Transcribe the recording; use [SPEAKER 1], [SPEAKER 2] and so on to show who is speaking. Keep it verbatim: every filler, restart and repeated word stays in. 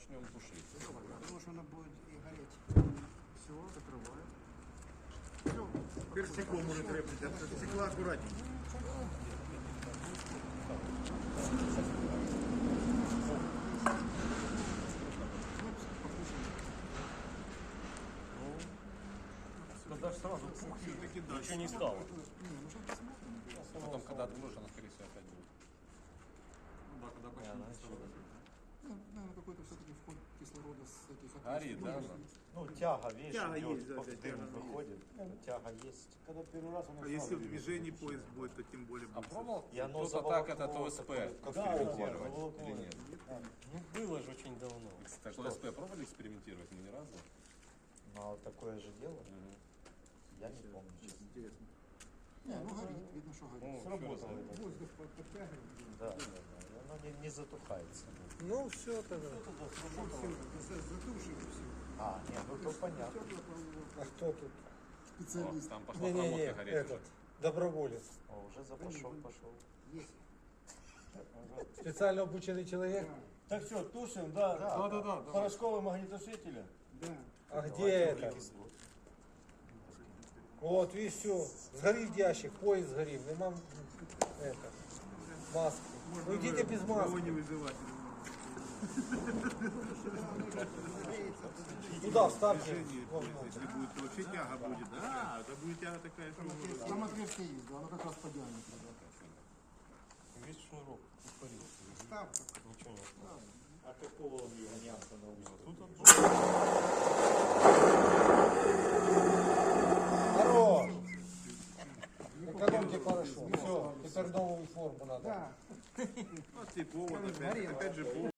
[SPEAKER 1] начнем тушить.
[SPEAKER 2] Потому что она будет и гореть. Все, закрываю. Все.
[SPEAKER 3] Теперь стекло может требовать, от стекла аккуратнее.
[SPEAKER 1] Тогда ж сразу пух,
[SPEAKER 3] Все-таки да.
[SPEAKER 1] ничего не стало.
[SPEAKER 2] Не, ну что посмотрим.
[SPEAKER 1] Потом, когда откроешь, она, скорее всего, опять будет.
[SPEAKER 3] Да, когда почти кислорода.
[SPEAKER 2] Ну, наверное, какой-то все-таки вход кислорода с этих
[SPEAKER 1] Горит, да? она?
[SPEAKER 4] Ну, тяга, видишь,
[SPEAKER 3] Тяга
[SPEAKER 4] идет,
[SPEAKER 3] есть, да,
[SPEAKER 4] по-
[SPEAKER 3] да,
[SPEAKER 4] дым
[SPEAKER 3] тяга
[SPEAKER 4] выходит, тяга есть.
[SPEAKER 5] Когда первый раз он
[SPEAKER 3] А если в движении поезд будет, то тем более
[SPEAKER 1] А
[SPEAKER 3] будет.
[SPEAKER 1] пробовал
[SPEAKER 4] И оно
[SPEAKER 1] кто-то так этот
[SPEAKER 4] заволокло
[SPEAKER 1] ОСП
[SPEAKER 4] такое, как
[SPEAKER 1] экспериментировать
[SPEAKER 5] заволокло.
[SPEAKER 1] или нет?
[SPEAKER 5] Ну, было же очень давно.
[SPEAKER 1] Так что ОСП пробовали экспериментировать? Мы ни разу.
[SPEAKER 4] Ну, а вот такое же дело,
[SPEAKER 1] Мгм.
[SPEAKER 4] я не помню, честно.
[SPEAKER 3] Интересно.
[SPEAKER 2] Не, ну горит, видно, что горит.
[SPEAKER 1] Ну,
[SPEAKER 5] Сработало
[SPEAKER 1] всё
[SPEAKER 5] это.
[SPEAKER 2] Воздух под- подтягивает.
[SPEAKER 4] Да, да, да, и оно не, не затухается.
[SPEAKER 5] Ну, все тогда.
[SPEAKER 2] Все, затушим все.
[SPEAKER 4] А, нет, ну то понятно.
[SPEAKER 5] А кто тут?
[SPEAKER 1] О,
[SPEAKER 2] Специалист.
[SPEAKER 1] там пошла
[SPEAKER 5] Не-не-не,
[SPEAKER 1] проводка гореть
[SPEAKER 5] этот, доброволец.
[SPEAKER 4] О, уже запашок пошел.
[SPEAKER 2] Есть.
[SPEAKER 5] Специально обученный человек.
[SPEAKER 6] Так все, тушим, да?
[SPEAKER 3] Да, да, да.
[SPEAKER 6] Порошковым огнетушителем.
[SPEAKER 2] Да.
[SPEAKER 5] А где это? Вот, видишь, все. Сгорит ящик, поезд сгорит. Нема это, маски. Ну идите без
[SPEAKER 3] Его
[SPEAKER 5] маски.
[SPEAKER 3] не вызывать.
[SPEAKER 5] Туда вставьте.
[SPEAKER 3] Движение поезда, если будет, то вообще тяга будет. Да, это будет тяга такая, что...
[SPEAKER 2] Там отверстие есть, да, оно как раз по диаметру. Да.
[SPEAKER 1] Весь шнурок испарился.
[SPEAKER 2] Став,
[SPEAKER 1] Ничего не осталось.
[SPEAKER 4] А какого он его не остановил?
[SPEAKER 1] Тут
[SPEAKER 5] Хорош! Экономьте порошок. Все, теперь новую форму надо.
[SPEAKER 2] да.
[SPEAKER 3] Вот и повод опять, опять же повод.